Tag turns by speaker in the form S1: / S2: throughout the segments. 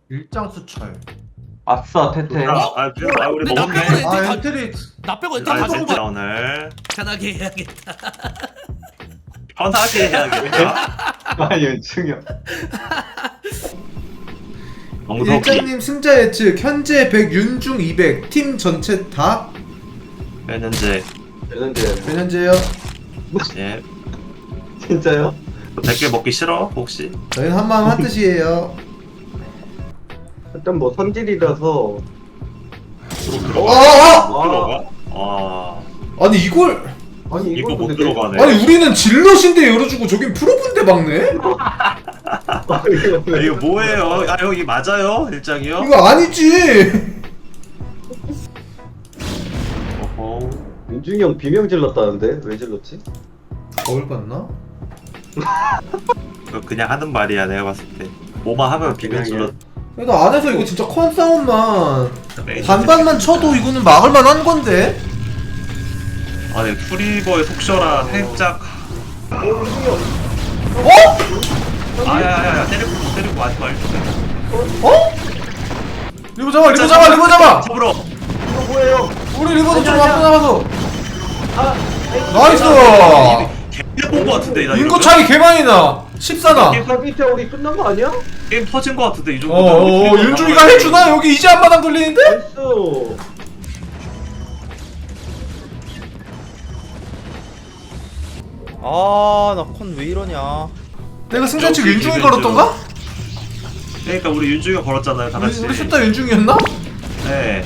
S1: 일장 수철.
S2: 아싸 테테.
S3: 우리
S4: 근데 나
S3: 먹었네.
S4: 빼고 엔트
S1: 아
S4: 다,
S1: 엔트리.
S4: 나 빼고 엔트
S3: 아
S4: 다 먹은
S3: 진짜
S4: 거야.
S3: 오늘
S4: 편하게 해야겠다.
S3: 편하게 해야겠다.
S2: 아 연충이 형.
S3: 정석이
S1: 일장님 승자 예측 현재 100 윤중 200 팀 전체 다
S3: 현재
S2: 되는데
S1: 몇 현재요?
S3: 예
S2: 진짜요?
S3: 100개 먹기 싫어 혹시?
S1: 저희는 한마음 한뜻이에요.
S2: 일단 뭐 선질이라서.
S1: 어!
S3: 들어가? 아
S1: 아니 이걸
S2: 아니
S3: 이거 못
S2: 근데
S3: 들어가네.
S1: 아니 우리는 질럿인데 열어주고 저긴 프로분데 막네?
S3: 아, 이거 뭐예요? 아 여기 맞아요 일장이요?
S1: 이거 아니지.
S3: 어허.
S2: 윤중이 형 비명 질렀다는데 왜 질렀지?
S1: 거울 봤나?
S3: 그거 그냥 하는 말이야 내가 봤을 때. 뭐만 하면 비명 질러.
S1: 그래도 안에서 이거 진짜 컨 싸움만 반반만 쳐도 이거는 막을만 한 건데.
S3: 아니 프리버의 속셔라 살짝.
S1: 어?
S3: 아야야야 때리고 하지 말고.
S1: 어? 리버 잡아 리버 잡아 리버 잡아.
S3: 잡으러.
S2: 이거 뭐예요?
S1: 우리 리버도 좀 앞서 나가서.
S2: 아
S1: 나이스.
S3: 개 본거 같은데 나
S1: 인구
S3: 이러면?
S1: 차이 개 많이 나. 14나.
S2: 서비스 우리 끝난 거 아니야?
S3: 게임 터진 거 같은데 이 정도.
S1: 윤중이가 해주나? 여기 이제 한마당 돌리는데?
S2: 나이스.
S5: 아, 나 컨 왜 이러냐.
S1: 내가 승자측
S3: 역시
S1: 윤중이
S3: 기ven즈.
S1: 걸었던가?
S3: 그러니까 우리 윤중이가 걸었잖아요 다 같이.
S1: 우리 숫자 윤중이었나?
S3: 네.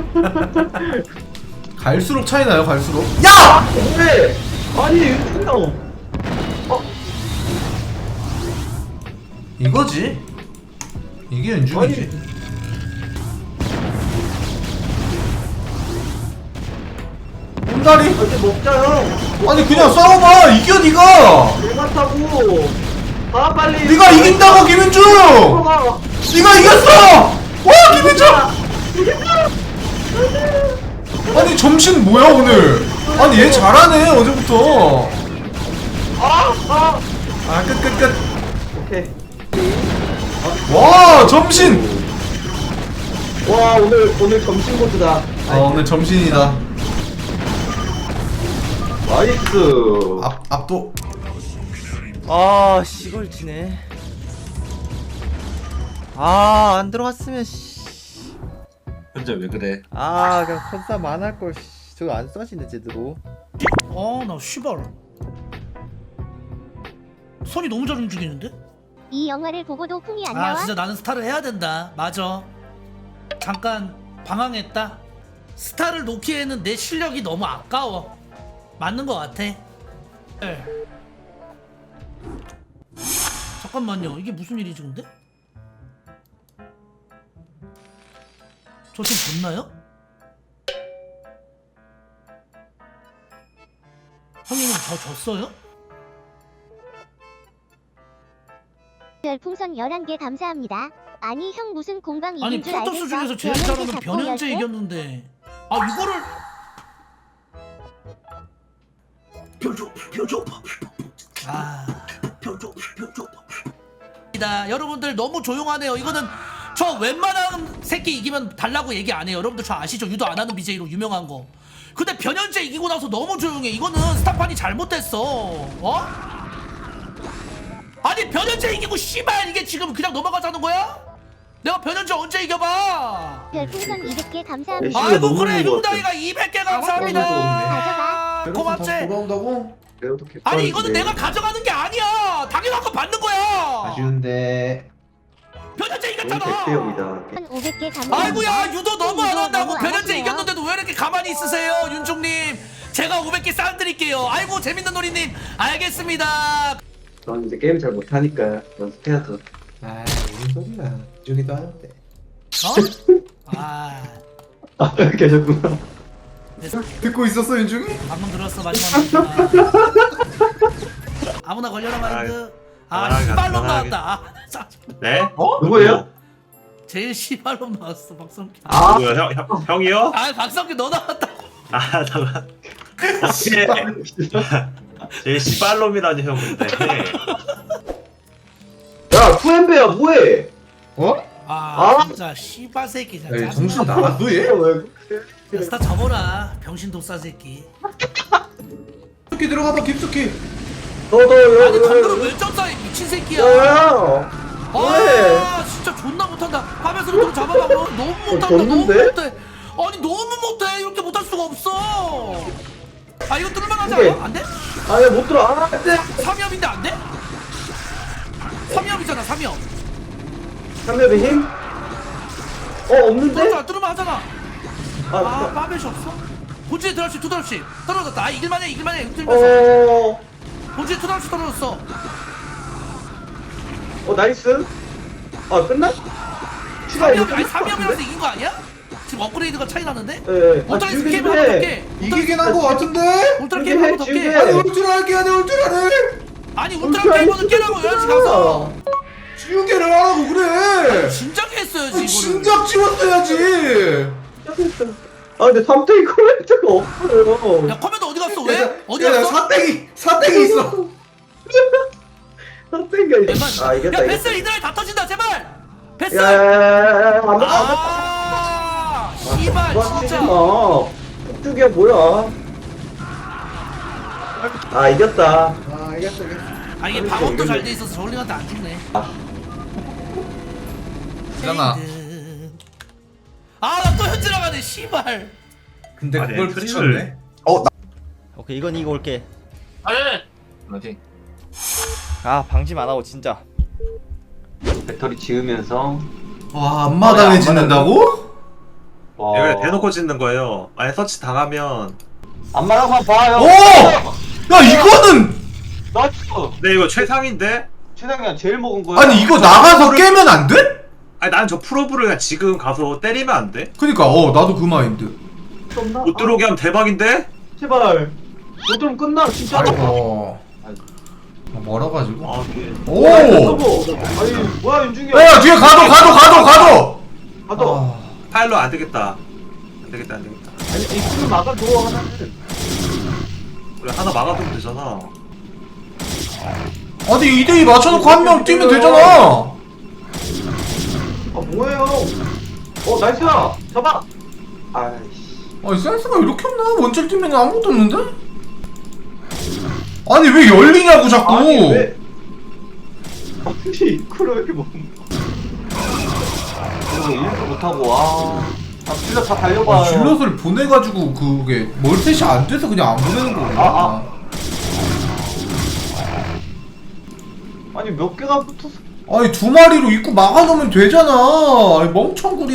S1: 갈수록 차이 나요 갈수록. 야!
S2: 왜? 아니 윤중이 형.
S1: 이거지. 이게 윤중이지. 온다리?
S2: 이제 먹자 형.
S1: 아니 그냥 싸워봐. 이겨 니가.
S2: 내가 타고. 아 빨리.
S1: 네가 이긴다고 김윤중.
S2: 들어가.
S1: 네가 이겼어. 와 김윤중. 아니 점심 뭐야 오늘? 아니 얘 잘하네 어제부터. 아 끝.
S2: 오케이.
S1: 와 점심.
S2: 와 오늘 점심 코스다.
S1: 아 오늘 점심이다.
S2: 나이스.
S1: 압도.
S5: 아, 이걸 지네. 아, 안 들어갔으면, 씨.
S3: 현재 왜 그래?
S5: 아, 그냥 컨싸움 안 할걸, 씨. 저거 안 써지네, 제대로.
S4: 나 씨발. 손이 너무 잘 움직이는데?
S6: 이 영화를 보고도 풍이 안
S4: 아
S6: 나와?
S4: 진짜 나는 스타를 해야 된다. 맞아. 잠깐 방황했다. 스타를 놓기에는 내 실력이 너무 아까워. 맞는 것 같아. 네. 잠깐만요. 이게 무슨 일이지 근데? 저 지금 졌나요? 형님 저 졌어요?
S6: 별풍선 11개 감사합니다. 아니 형 무슨 공방
S4: 아니
S6: 이긴 줄 알겠어?
S4: 프로토스 중에서 제일
S6: 변현재
S4: 잘하는
S6: 잡고
S4: 변현재
S6: 열쇠?
S4: 이겼는데 아 이거를 여러분들 너무 조용하네요. 이거는 저 웬만한 새끼 이기면 달라고 얘기 안 해요. 여러분들 저 아시죠? 유도 안 하는 BJ로 유명한 거. 근데 변현재 이기고 나서 너무 조용해. 이거는 스타판이 잘못됐어. 어? 아니 변현재 이기고 씨발 이게 지금 그냥 넘어가자는 거야? 내가 변현재 언제 이겨봐?
S6: 별풍선 200개 감사합니다.
S2: 야,
S4: 아이고
S2: 너무
S4: 그래
S2: 좋은 것
S4: 흉다이가 200개 감사합니다.
S6: 가져가.
S4: 고맙지?
S1: 돌아온다고?
S2: 그래도 개꿀인데.
S4: 아니 이거는 내가 가져가는 게 아니야. 당연한 거 받는 거야.
S1: 아쉬운데.
S4: 변현재
S2: 오늘
S4: 이겼잖아.
S2: 100대형이다.
S6: 500개 감사합니다.
S4: 아이고야 유도 너무 안 한다고.
S6: 너무 안
S4: 변현재
S6: 하세요.
S4: 이겼는데도 왜 이렇게 가만히 있으세요 윤종님. 제가 500개 싼드릴게요. 아이고 재밌는 놀이님 알겠습니다.
S2: 넌 이제 게임 잘 못하니까 연습해야죠.
S1: 아 무슨 소리야. 윤중이도 하는데.
S4: 어? 아
S2: 아 계셨구나.
S1: 듣고 있었어 윤중이?
S4: 방금 들었어 마지막 아무나 걸려라 마인드. 아 시발놈
S3: 편하게.
S4: 나왔다.
S3: 네?
S2: 누구예요?
S4: 제일 시발놈 나왔어 박성규.
S2: 아
S3: 누구야 형이요?
S4: 아 박성규 너 나왔다.
S3: 아 잠깐. 제 씨발놈이라니 형 근데.
S2: 야 투엠베야 뭐해?
S1: 어?
S2: 아.
S4: 진짜 씨발 새끼 진짜
S1: 야,
S4: 짜증나.
S1: 정신 나갔어 얘?
S2: 왜?
S4: 야, 스타 접어라 병신 도싸 새끼.
S1: 깊숙이 들어가봐 깊숙이.
S2: 너도
S4: 아니 방금 왜 점사해 미친 새끼야.
S2: 야. 왜?
S4: 아 진짜 존나 못한다. 하면서 좀 잡아봐. 그럼. 너무 못한다. 너무
S2: 졌는데?
S4: 못해. 아니 너무 못해. 이렇게 못할 수가 없어. 아 이거 뚫을만하지
S2: 오케이.
S4: 않아? 안 돼?
S2: 아야 못 들어. 아 안돼.
S4: 3협인데 안 돼? 3협이잖아 3협.
S2: 3렙의 힘? 없는데?
S4: 뚫었잖아 뚫으면 하잖아. 아
S2: 아,
S4: 빠벳이 없어? 본진에 드랍십 투드랍십 떨어졌다. 아 이길만해 이길만해 흔들면서. 본진에 투드랍십 떨어졌어.
S2: 나이스. 아 끝나? 추가
S4: 3협 아니 3협이라서 이긴 거 아니야? 지금 업그레이드가 차이 나는데?
S2: 예.
S4: 울트라 스케이프 하나 더 깨.
S1: 이기긴 한 거 같은데?
S4: 울트라 게임 하나 더
S2: 지금
S4: 깨.
S2: 해.
S1: 아니 울트라 할게 아니 울트라를
S4: 아니 울트라 게임은 깨라고 11시 가서.
S1: 지우개를 하라고 그래.
S4: 진작에 했어야지
S1: 아니,
S4: 이거를.
S1: 진작 지웠어야지.
S2: 아 근데 3대2 코멘트가 없어요.
S4: 야 커맨드 어디 갔어? 왜? 어디 갔어?
S1: 사땡이 있어.
S2: 3대가 아 이겼다
S4: 야 베스
S2: 이겼다.
S4: 이들아 다 터진다 제발. 베스.
S2: 야야야야야 안 돼.
S4: 아 씨발 진짜.
S2: 폭죽이야 뭐야? 아 이겼다.
S1: 아 이겼어.
S4: 아 이게 방어도 잘 돼 있어서 저울링한테 안 죽네.
S1: 있잖아.
S4: 아나 또 현질 나가네 씨발.
S1: 근데
S3: 아니,
S1: 그걸
S3: 엠프를-
S1: 붙였네.
S5: 오케이 이건 이거 올게.
S3: 어디?
S5: 아 방심 안 하고 진짜.
S2: 배터리 지으면서
S1: 와 앞마당에 짓는다고?
S2: 와.
S3: 이걸 대놓고 짓는 거예요. 아니 서치 당하면.
S2: 안마랑만 봐요.
S1: 오! 야 이거는
S2: 나이스.
S3: 근데 이거 최상인데?
S2: 최상이야 제일 먹은 거야.
S1: 아니 이거 나가서 깨면 안 돼?
S3: 아니 난 저 프로브를 그냥 지금 가서 때리면 안 돼?
S1: 그니까 나도 그 마인드.
S3: 못 들어오게 하면 대박인데?
S2: 제발. 못 들으면 끝나 진짜.
S1: 아이고. 멀어가지고.
S3: 아 이게
S1: 오!
S2: 아니 뭐야 윤중이.
S1: 야 뒤에 가도.
S2: 가도.
S1: 아,
S3: 파일로 안 되겠다. 안 되겠다.
S2: 아니 이거 막아줘 하나는.
S3: 우리 하나 막아두면 되잖아.
S1: 아니 2대2 맞춰놓고 한 명 뛰면 되잖아.
S2: 아 뭐예요? 나이스야. 잡아. 아이씨.
S1: 아니 센스가 이렇게 없나? 원질 뛰면 아무것도 없는데? 아니 왜 열리냐고 자꾸.
S2: 아니 왜? 아니 이코를 왜 이렇게 먹는 그리고 일도 못하고 질러 다 달려봐요.
S1: 질럿을 보내가지고 그게 멀티시 안 돼서 그냥 안 보내는 거구나.
S2: 아니 몇 개가 붙었어.
S1: 아니 2마리로 입구 막아놓으면 되잖아. 아니, 멍청구리야.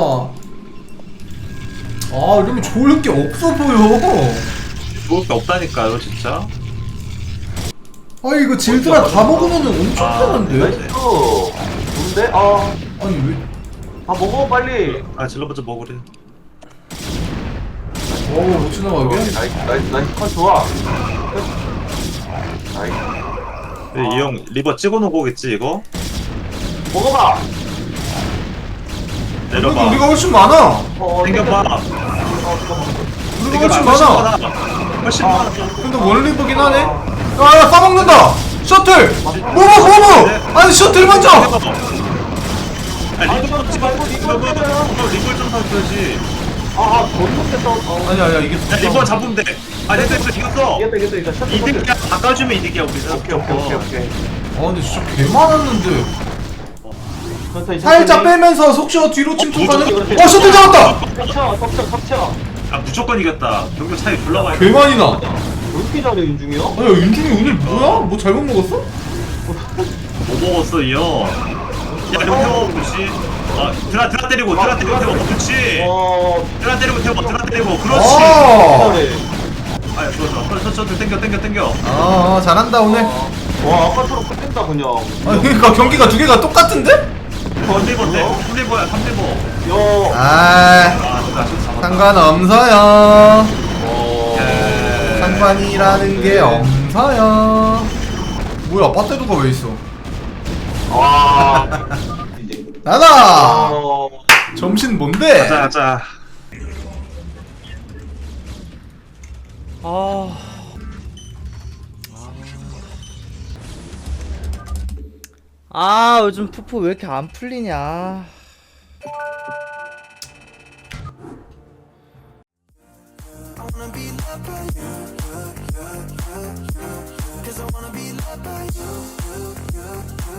S1: 아 이러면 좋을 게 없어 보여.
S3: 좋을 게 없다니까요 진짜.
S1: 아니 이거 질드라 다 먹으면 엄청 편한데?
S2: 나이스. 좋은데?
S1: 아니 왜?
S2: 다 먹어 빨리.
S3: 아 질러부터 먹으래.
S1: 못 지나가 이게?
S2: 나이스 컷 좋아. 나이스.
S3: 이 형 리버 찍어놓은 거겠지 이거?
S2: 먹어봐.
S1: 그래도
S3: 내려봐.
S1: 우리가 훨씬 많아.
S3: 당겨봐.
S1: 우리가 훨씬 많아.
S3: 훨씬 많아.
S1: 근데 원리버긴 하네. 야 싸먹는다. 셔틀. 뭐뭐. 아니 셔틀 먼저.
S3: 아 리버 찍어. 리버 좀 사줘야지.
S2: 잘못됐어.
S1: 아니야 이게.
S3: 야 리버 잡으면 돼. 아 됐어 이겼어.
S2: 이겼다. 샷.
S3: 이득이야. 바꿔주면 이득이야 우리는.
S2: 오케이.
S1: 아 근데 진짜 개 많았는데.
S2: 천천히.
S1: 살짝 빼면서 속시어 뒤로 침투하는.
S2: 그렇지.
S1: 셔틀 잡았다.
S2: 덮쳐.
S3: 아 무조건 이겼다. 경력 차이 졸라 많이.
S1: 개 많이 나.
S2: 왜 이렇게 잘해 윤중이 형?
S1: 아야 윤중이 오늘 뭐야? 뭐 잘못 먹었어?
S3: 뭐 먹었어 이 형? 야 이거 태워 그렇지. 드라 때리고 태워 그렇지. 드라 때리고 태워 드라 때리고 그렇지.
S2: 잘해.
S3: 아 좋아. 셔틀 땡겨.
S1: 아 잘한다 오늘.
S2: 와 아까처럼 끝낸다 그냥.
S1: 아 그러니까 경기가 두 개가 똑같은데?
S3: 3리버야 3리버.
S2: 야.
S1: 아
S3: 진짜 잡았다.
S1: 상관없어요.
S3: 예.
S1: 상관이라는 게 없어요. 뭐야 빠떼두가 왜 있어?
S2: 와. 이제.
S1: 나다. 점심 뭔데?
S3: 가자.
S5: 아 요즘 푸푸 왜 이렇게 안 풀리냐.
S7: Cause I wanna be loved by you.